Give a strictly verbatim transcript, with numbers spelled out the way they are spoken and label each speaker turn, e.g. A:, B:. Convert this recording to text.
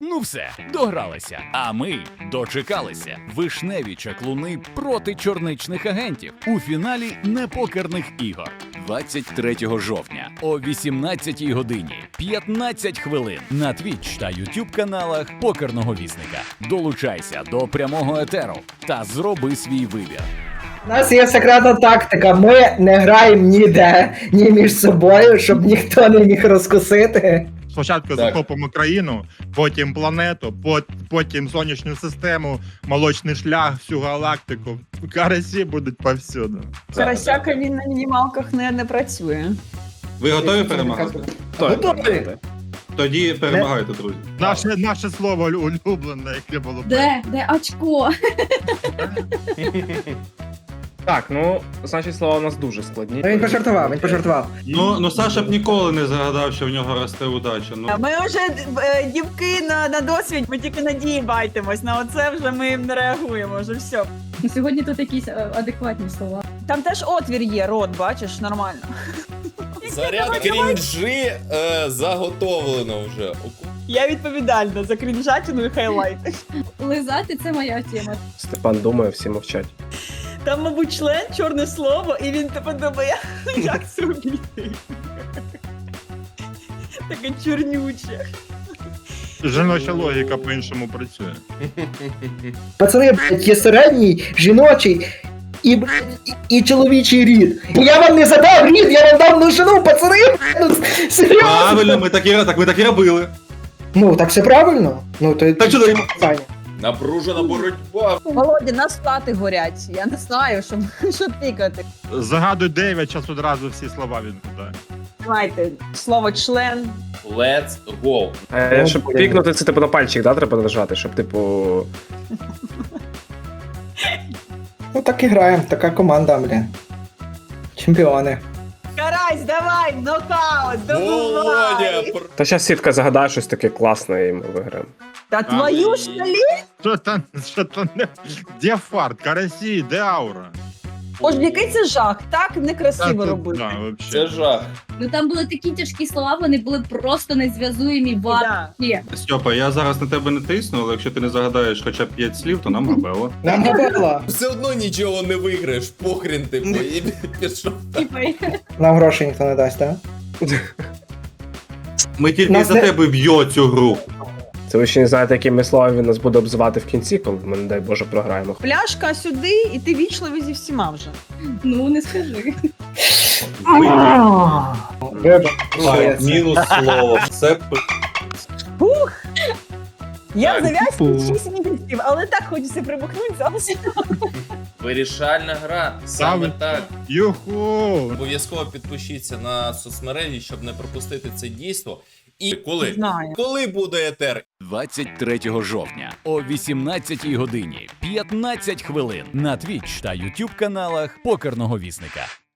A: Ну все, догралися. А ми дочекалися. Вишневі чаклуни проти чорничних агентів у фіналі непокерних ігор. двадцять третього жовтня о вісімнадцятій годині п'ятнадцять хвилин на Twitch та YouTube каналах Покерного Вісника. Долучайся до прямого етеру та зроби свій вибір.
B: У нас є секретна тактика, ми не граємо ніде, ні між собою, щоб ніхто не міг розкусити.
C: Спочатку
D: Так.
C: захопимо країну, потім планету, пот- потім сонячну систему, молочний шлях, всю галактику. Карасі будуть повсюду.
E: Карасяка він на мінімалках не, не працює.
D: Ви готові перемагати?
B: Готові?
D: Тоді перемагайте, друзі.
C: Наше, наше слово улюблене, яке було б.
F: Де? Де очко?
G: Так, ну, значить, слова у нас дуже складні.
B: Ну, він пожартував, він пожартував.
D: Ну, ну Саша б ніколи не загадав, що в нього росте удача. Ну,
E: Ми вже е, дівки на, на досвід, ми тільки надії байтимось. На оце вже ми не реагуємо, вже все.
F: Ну, сьогодні тут якісь е, адекватні слова.
E: Там теж отвір є, рот, бачиш, нормально.
H: Заряд крінжі е, заготовлено вже.
E: Я відповідальна за крінжатину і хайлайти.
F: Лизати це моя тема.
G: Степан думає, всі мовчать.
E: Там, мабуть, член, чорне слово, і він типу думає, як це робити. Таке чорнюче.
C: Жіноча логіка по-іншому працює.
B: Пацани, блядь, є середній, жіночий і, блядь, і, і чоловічий рід. Я вам не задав рід, я вам дав множину, пацани, блядь, ну, серйозно.
D: правильно, ми так і, так, ми так і робили.
B: Ну, так все правильно. Ну, то
D: Так що даємо?
B: питання.
H: Напружена боротьба.
E: Володя, нас плати горять. Я не знаю, що, що тикати.
C: Загадуй дев'ять, час одразу всі слова відгадає.
E: Давайте, слово член.
H: Let's go.
G: Е,
B: Ну,
G: щоб
B: блін.
G: пікнути, це типу на пальчик, да, треба нажати, щоб, типу.
B: Ну так і граємо, така команда, блін. Чемпіони.
E: Карась, давай, нокаут,
H: Володя,
E: добивай.
H: пр-
G: Та зараз сітка загадає щось таке класне і ми виграємо.
E: Та твою ж наліт.
C: Що там, що там не... Де фарт, карасі, де аура?
E: Боже, який це жах, так некрасиво
C: Та,
E: робити.
C: да, вообще.
H: це жах.
F: Ну там були такі тяжкі слова, вони були просто незв'язуємі
E: Да.
F: вообще.
D: Стьопа, я зараз на тебе не тисну, але якщо ти не загадаєш хоча б п'ять слів, то нам габело.
B: Нам габела.
H: Все одно нічого не виграєш, похрін ти і пішов.
F: Типа,
B: Нам грошей ніхто не дасть, так?
D: Ми тільки
B: Нас
D: за
B: не-
D: тебе б'є цю гру.
G: Це ви ще не знаєте, якими словами він нас буде обзивати в кінці, коли ми, не дай Боже, програємо.
E: Пляшка сюди, і ти вічливий зі всіма вже.
F: ну не скажи.
B: Вибач.
H: Мінус слово. Це
E: Фух! Я
C: Так,
E: зав'язку шість місяців, але так хочеться прибухнути зараз.
H: вирішальна гра. Саме
C: Саме
H: так.
C: Юху!
H: Обов'язково підпишіться на соцмережі, щоб не пропустити це дійство. І коли?
E: Знаю.
H: Коли буде етер?
A: двадцять третього жовтня о вісімнадцятій годині п'ятнадцять хвилин на Twitch та YouTube каналах Покерного Вісника.